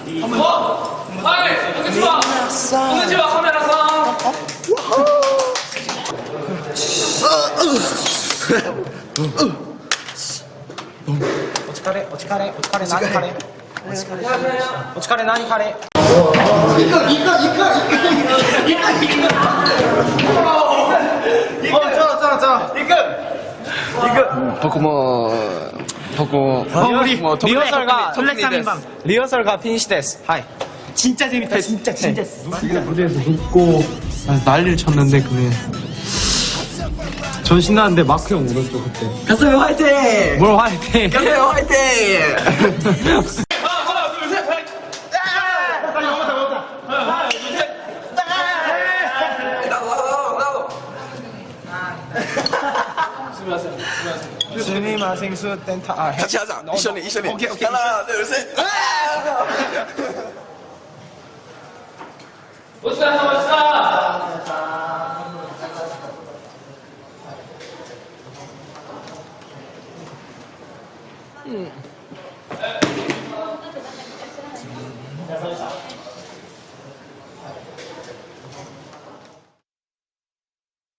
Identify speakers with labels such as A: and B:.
A: はいこんにちはこんにちはカメラさん
B: お疲れお疲れお疲れ何カレーお疲れ何カレー리허설가 피니시 데스. 하이.
C: 진짜 재밌다. 진짜.
D: 무대에서 웃고 난리를 쳤는데 그네 전 신나는데 마크 형 울었죠 그때.
C: 가슴 화이팅!
D: 뭘 화이팅!
C: 가슴 화이팅!
B: 스미마 생수 땐타. 아,
C: 같이 하자. 이션이.
B: 오케이.
C: 하나, 둘, 셋.
A: 멋있다